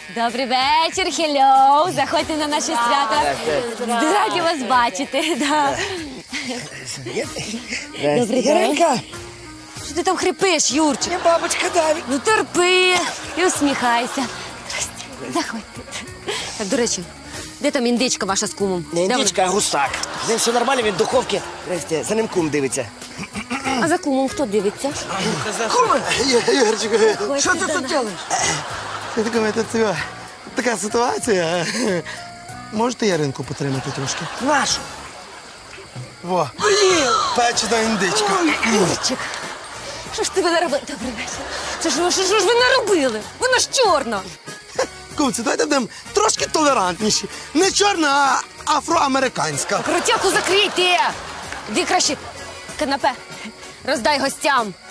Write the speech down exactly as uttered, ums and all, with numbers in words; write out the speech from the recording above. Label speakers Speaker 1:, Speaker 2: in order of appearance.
Speaker 1: Добрий вечір, хеллоу. Заходьте на наше свято. Раді вас бачити. Да. Добрий день.
Speaker 2: Яринка,
Speaker 1: Що ти там хрипиш, Юрчик?
Speaker 2: я бабочка Даві.
Speaker 1: Ну терпи і усміхайся. Здрасте. Заходьте. Так, до речі, де там індичка ваша з кумом?
Speaker 2: Не
Speaker 1: Де
Speaker 2: індичка, а гусак. З ним все нормально, він в духовці. Здрасте, за ним кум дивиться.
Speaker 1: вона? А за кумом хто дивиться?
Speaker 3: Куме, Ігорчику, що ти
Speaker 1: Ходьте
Speaker 3: тут
Speaker 1: до
Speaker 3: робиш? Я думаю, тут цього, така ситуація. Можете Яринку потримати трошки?
Speaker 2: Нашу.
Speaker 3: Во, печена індичка.
Speaker 1: Юрчик, що ж ти ви наробили? Добрий вечір. Це ж, що, що ж ви наробили? Вона ж чорна.
Speaker 3: Кумці, давайте будемо трошки толерантніші. Не чорна, а афроамериканська.
Speaker 1: Ротяку закрийте! Іди краще канапе роздай гостям.